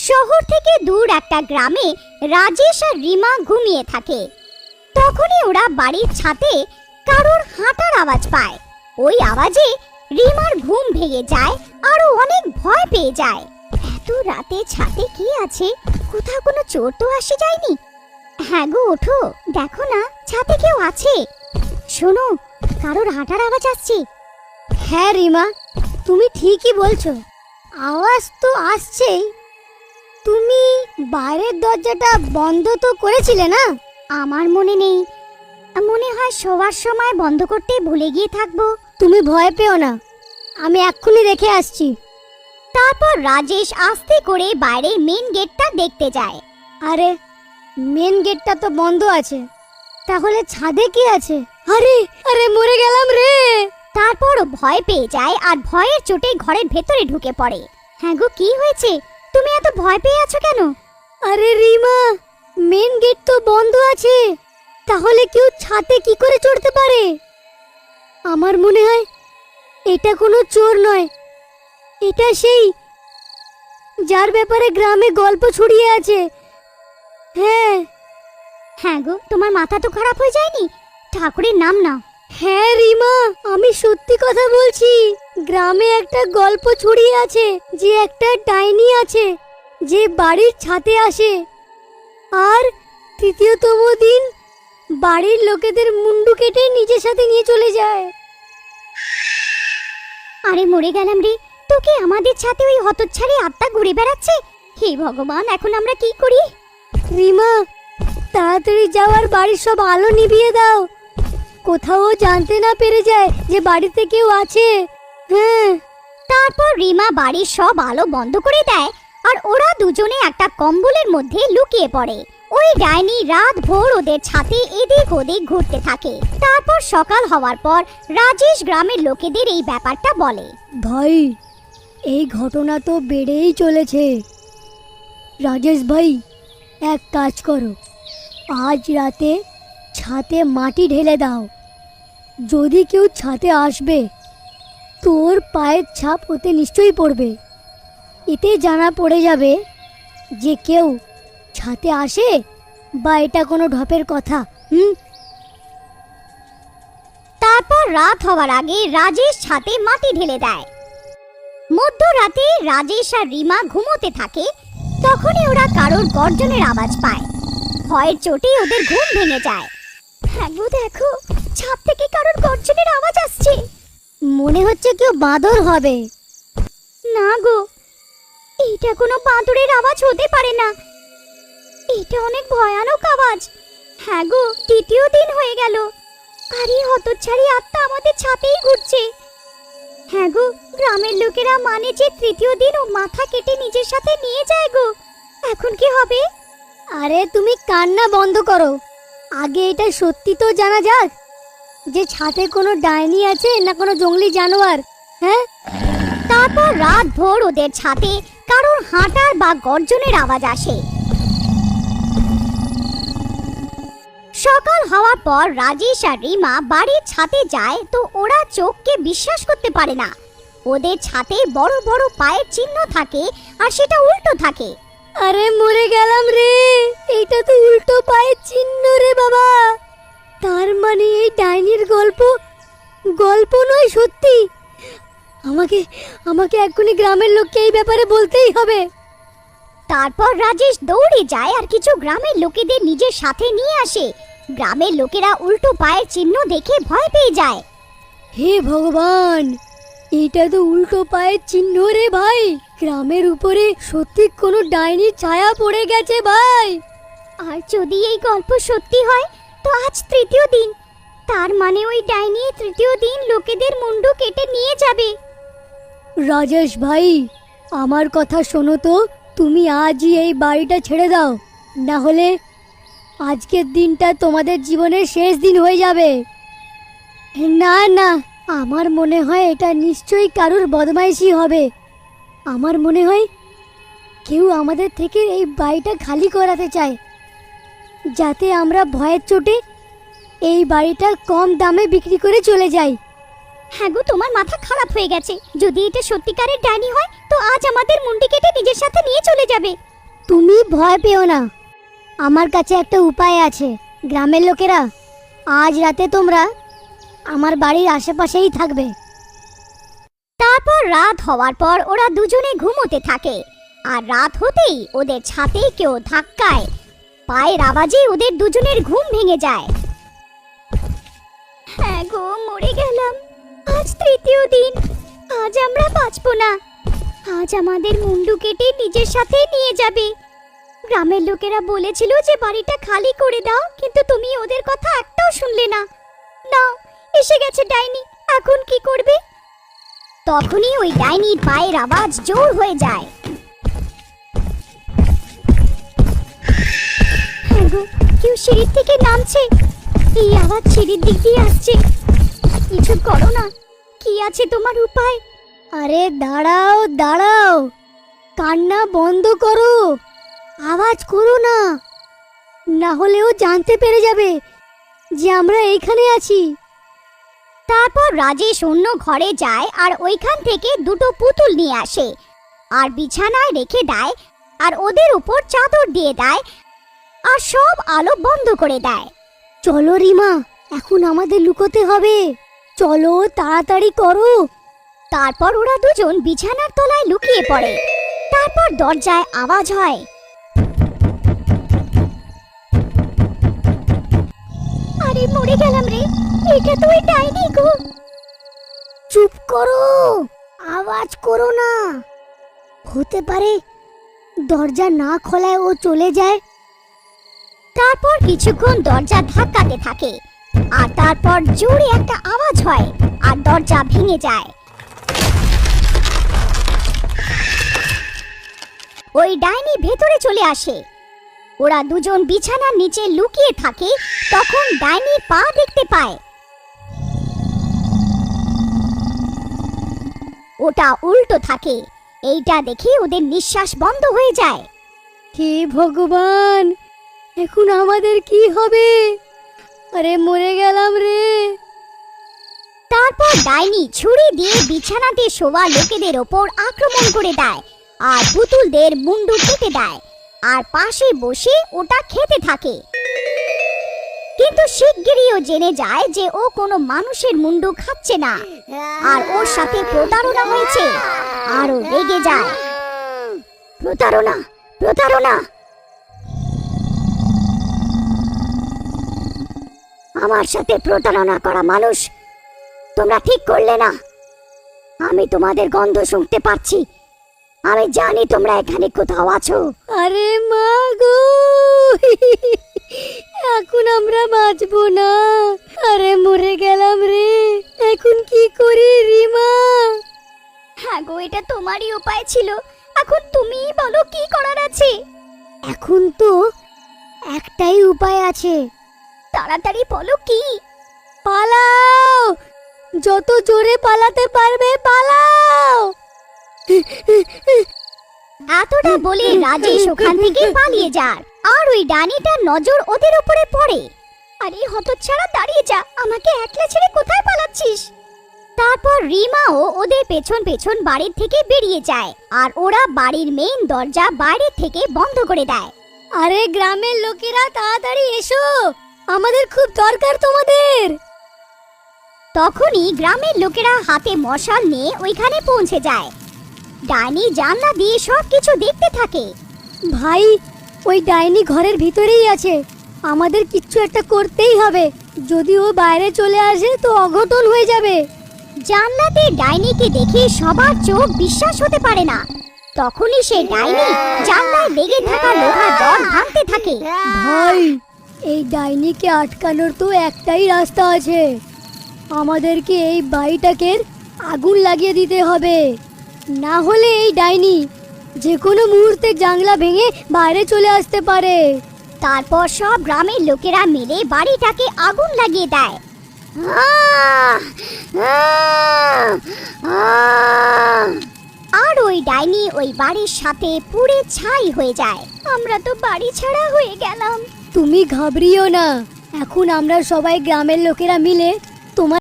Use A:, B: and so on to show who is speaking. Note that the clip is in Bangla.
A: শহর থেকে দূর একটা গ্রামে রাজেশ আর রিমা ঘুমিয়ে থাকে। তখনই ওরা বাড়ির ছাদে কারোর হাঁটার আওয়াজ পায়। ওই আওয়াজে রিমার ঘুম ভেঙে যায় আর ও অনেক ভয় পেয়ে যায়। এত রাতে ছাদে কি আছে? কোথাও কোনো চোর তো আসে যায়নি? হ্যাঁ গো, ওঠো, দেখো না ছাদে কেউ আছে। শোনো, কারোর হাঁটার আওয়াজ আসছে। হ্যাঁ রিমা, তুমি ঠিকই বলছো, আওয়াজ তো আসছেই। তুমি বাইরের দরজাটা বন্ধ তো করেছিলে না? আমার মনে নেই, মনে হয় শোয়ার সময় বন্ধ করতে ভুলে গিয়ে থাকবো। তুমি ভয় পেও না, আমি এক্ষুনি রেখে আসছি। তারপর রাজেশ আস্তে করে বাইরের মেন গেটটা দেখতে যায়। আরে, মেন গেটটা তো বন্ধ আছে, তাহলে ছাদে কি আছে? আরে আরে, মরে গেলাম রে। তারপর ভয় পেয়ে যায় আর ভয়ের চোটে ঘরের ভেতরে ঢুকে পড়ে। হ্যাঁ গো, কি হয়েছে? তুমি এত ভয় পেয়ে আছো কেন? আরে রিমা, মেন গেট তো বন্ধ আছে, তাহলে কেউ ছাদে কি করে চড়তে পারে? আমার মনে হয় এটা কোনো চোর নয়, এটা সেই যার ব্যাপারে গ্রামে গল্প ছড়িয়ে আছে। হ্যাঁ হ্যাঁ গো, তোমার মাথা তো খারাপ হয়ে যায়নি? ঠাকুরের নাম নাও। হ্যাঁ রিমা, আমি সত্যি কথা বলছি। গ্রামে একটা গল্প ছড়িয়ে আছে যে একটা ডাইনি আছে যে বাড়ির ছাদে আসে আর তৃতীয়তম দিন বাড়ির লোকেদের মুন্ডু কেটে নিজের সাথে নিয়ে চলে যায়। আরে মরে গেলাম রে, তোকে আমাদের ছাদে ওই হতচ্ছাড়ি আত্মা ঘুরে বেড়াচ্ছে। হে ভগবান, এখন আমরা কি করি? রিমা, তাড়াতাড়ি যাওয়ার বাড়ির সব আলো নিভিয়ে দাও, কোথাও জানতে না পেরে যায় যে বাড়িতে কেউ আছে। হ্যাঁ। তারপর রিমা বাড়ির সব আলো বন্ধ করে দেয় আর ওরা দুজনে একটা কম্বলের মধ্যে লুকিয়ে পড়ে। ওই ডাইনি রাত ভোর ওদের ছাদে এদিক ওদিক ঘুরতে থাকে। তারপর সকাল হওয়ার পর রাজেশ গ্রামের লোকেদের এই ব্যাপারটা বলে।
B: ভাই, এই ঘটনা তো বেড়েই চলেছে। রাজেশ ভাই, এক কাজ করো, আজ রাতে ছাদে মাটি ঢেলে দাও। যদি কেউ ছাদে আসবে, তোর পায়ের ছাপ ওতে নিশ্চয়ই পড়বে। এতে জানা পড়ে যাবে যে কেউ ছাদে আসে বা এটা কোনো ঢপের কথা।
A: তারপর রাত হওয়ার আগে রাজেশ ছাদে মাটি ঢেলে দেয়। মধ্যরাতে রাজেশ আর রিমা ঘুমোতে থাকে। তখনই ওরা কারোর গর্জনের আওয়াজ পায়। ভয়ের চোটে ওদের ঘুম ভেঙে যায়। হ্যাঁ গো, দেখো, ছাদ থেকে কারোর গর্জনের আওয়াজ আসছে।
B: মনে হচ্ছে কেউ বাঁদর হবে।
A: না গো, এটা কোনো বাঁদরের আওয়াজ হতে পারে না, এটা অনেক ভয়ানক আওয়াজ। হ্যাঁ গো, তৃতীয় দিন হয়ে গেল আর এই হতচ্ছাড়ি আত্মা আমাদের ছাদেই ঘুরছে। হ্যাঁ গো, গ্রামের লোকেরা মানে যে তৃতীয় দিন ও মাথা কেটে নিজের সাথে নিয়ে যায় গো। এখন কি হবে?
B: আরে তুমি কান্না বন্ধ করো, আগে এটা সত্যি তো জানা যাক যে ছাদে কোনো ডাইনি আছে না কোনো জঙ্গলি জানোয়ার। হ্যাঁ।
A: তারপর রাত ভোর ওদের ছাদে কারোর হাঁটার বা গর্জনের আওয়াজ আসে। সকাল হওয়ার পর রাজেশ আর রিমা বাড়ির ছাদে যায় তো ওরা চোখকে বিশ্বাস করতে পারে না। ওদের ছাদে বড় বড় পায়ের চিহ্ন থাকে আর সেটা উল্টো থাকে।
B: আরে মরে গেলাম রে, এইটা তো উল্টো পায়ের চিহ্ন রে বাবা। তার মানে এই ডাইনির গল্প নয়, সত্যি। আমাকে এক্ষুনি গ্রামের লোককে এই ব্যাপারে বলতেই হবে।
A: তারপর রাজেশ দৌড়ে যায় আর কিছু গ্রামের লোকেদের নিজের সাথে নিয়ে আসে। গ্রামের লোকেরা উল্টো পায়ের চিহ্ন দেখে ভয় পেয়ে যায়।
B: হে ভগবান, এটা তো উল্টো পায়ের চিহ্ন রে ভাই। গ্রামের উপরে সত্যি কোনো ডাইনির ছায়া পড়ে গেছে ভাই।
A: আর যদি এই গল্প সত্যি হয় তো আজ তৃতীয় দিন, তার মানে ওই ডাইনি তৃতীয় দিন লোকেদের মুন্ডু কেটে নিয়ে যাবে।
B: রাজেশ ভাই, আমার কথা শোনো তো, তুমি আজই এই বাড়িটা ছেড়ে দাও, না হলে আজকের দিনটা তোমাদের জীবনের শেষ দিন হয়ে যাবে। না না, আমার মনে হয় এটা নিশ্চয়ই কারুর বদমাইশি হবে। আমার মনে হয় কেউ আমাদের থেকে এই বাড়িটা খালি করাতে চায়, যাতে আমরা ভয়ের চোটে এই বাড়িটা কম দামে বিক্রি করে চলে যাই।
A: হ্যাঁ গো, তোমার মাথা খারাপ হয়ে গেছে। যদি এটা সত্যিকারের ডাইনি হয় তো আজ আমাদের মুন্ডি কেটে নিজের সাথে নিয়ে চলে যাবে।
B: তুমি ভয় পেও না, আমার কাছে একটা উপায় আছে। গ্রামের লোকেরা, আজ রাতে তোমরা আমার বাড়ির আশেপাশেই থাকবে।
A: তারপর রাত হওয়ার পর ওরা দুজনে ঘুমোতে থাকে। আর রাত হতেই ওদের ছাদে কেউ ধাক্কায় পায়ের আওয়াজে ওদের দুজনের ঘুম ভেঙে যায়। হ্যাঁ গো, মরে গেলাম। আজ তৃতীয় দিন, আজ আমরা বাঁচবো না। আজ আমাদের মুন্ডু কেটে নিজের সাথে নিয়ে যাবে। গ্রামের লোকেরা বলেছিল যে বাড়িটা খালি করে দাও, কিন্তু তুমি ওদের কথা একটাও শুনলে না। নাও, এসে গেছে ডাইনি, এখন কি করবে? তখনই ওই ডাইনির পায়ের আওয়াজ জোর হয়ে যায়। হ্যাঁ গো, কেউ সিঁড়ির থেকে নামছে। এই আওয়াজ সিঁড়ির দিক দিয়ে আসছে। কিছু করো না, কি আছে তোমার উপায়?
B: আরে দাঁড়াও দাঁড়াও, কান্না বন্ধ করো, আওয়াজ করো না, না হলেও জানতে পেরে যাবে যে আমরা এইখানে আছি।
A: তারপর রাজেশ অন্য ঘরে যায় আর ওইখান থেকে দুটো পুতুল নিয়ে আসে আর বিছানায় রেখে দেয় আর ওদের উপর চাদর দিয়ে দেয় আর সব আলো বন্ধ করে দেয়।
B: চলো রিমা, এখন আমাদের লুকোতে হবে, চলো তাড়াতাড়ি করো।
A: তারপর ওরা দুজন বিছানার তলায় লুকিয়ে পড়ে। তারপর দরজায় আওয়াজ হয়। আরে মরে গেলাম রে, এটা তো ওই ডাইনি গো।
B: চুপ করো, আওয়াজ করো না, হতে পারে দরজা না খোলায় ও চলে যায়।
A: তারপর কিছুক্ষণ দরজা ধাক্কাতে থাকে আর তারপর জোরে একটা আওয়াজ হয় আর দরজা ভেঙে যায়। ওই ডাইনি ভেতরে চলে আসে। ওরা দুজন বিছানার নিচে লুকিয়ে থাকে। তখন ডাইনির পা দেখতে পায়। ওটা উল্টো থাকে। এইটা দেখে ওদের নিঃশ্বাস বন্ধ হয়ে যায়।
B: হে ভগবান, এখন আমাদের কি হবে? আরে মরে গেলাম রে।
A: তারপর ডাইনি ছুরি দিয়ে বিছানাতে শোয়া লোকেদের ওপর আক্রমণ করে দেয় আর পুতুলদের মুন্ডু কেটে দেয় আর পাশে বসে ওটা খেতে থাকে। কিন্তু শিগগিরই ও জেনে যায় যে ও কোনো মানুষের মুন্ডু খাচ্ছে না আর ওর সাথে প্রতারণা হয়েছে আর ও রেগে যায়। প্রতারণা, প্রতারণা! আমার সাথে প্রতারণা করা মানুষ, তোমরা ঠিক করলে না। আমি তোমাদের গন্ধ শুনতে পাচ্ছি। আমি জানি তোমরা এখানে কোথাও আছো।
B: আরে মা গো, এখন আমরা বাঁচবো না। আরে মরে গেলাম রে, এখন কি করি রিমা?
A: হ্যাঁ গো, এটা তোমারই উপায় ছিল। এখন তুমিই বলো কি করার আছে।
B: এখন তো একটাই উপায় আছে।
A: তাড়াতাড়ি বলো কি।
B: পালাও, যত জোরে পালাতে পারবে পালাও।
A: এতটা বলে রাজেশ ওখান থেকে পালিয়ে যায় আর ওই ডাইনিটার নজর ওদের উপরে পড়ে। আরে হতচ্ছাড়া, দাঁড়িয়ে যা, আমাকে একলা ছেড়ে কোথায় পালাচ্ছিস? তারপর রিমাও ওদের পেছন পেছন বাড়ির থেকে বেরিয়ে যায় আর ওরা বাড়ির মেইন দরজা বাইরে থেকে বন্ধ করে দেয়।
B: আরে গ্রামের লোকেরা তাড়াতাড়ি এসো, আমাদের খুব দরকার তোমাদের।
A: তখনই গ্রামের লোকেরা হাতে মশাল নিয়ে ওইখানে পৌঁছে যায়। ডাইনি জানলা দিয়ে সবকিছু দেখতে থাকে।
B: ভাই, ওই ডাইনি ঘরের ভিতরেই আছে, আমাদের কিচ্ছু একটা করতেই হবে। যদি ও বাইরে চলে আসে তো অঘটন হয়ে যাবে।
A: জানলাতে ডাইনিকে দেখে সবার চোখ বিশ্বাস হতে পারে না। তখনই সে ডাইনি জানলায় লেগে থাকা লোহার রড ভাঙতে থাকে।
B: ভাই, এই ডাইনিকে আটকানোর তো একটাই রাস্তা আছে, আমাদেরকে এই বাড়িটাকে আগুন লাগিয়ে দিতে হবে, না হলে এই ডাইনি যে কোনো মুহূর্তে জানলা ভেঙে বাইরে চলে আসতে পারে।
A: তারপর সব গ্রামের লোকেরা মিলে বাড়িটাকে আগুন লাগিয়ে দেয়। আর ওই ডাইনি ওই বাড়ির সাথে পুড়ে ছাই হয়ে যায়। আমরা তো বাড়ি ছাড়া হয়ে গেলাম।
B: তুমি ঘাবড়িও না, এখন আমরা সবাই গ্রামের লোকেরা মিলে তোমার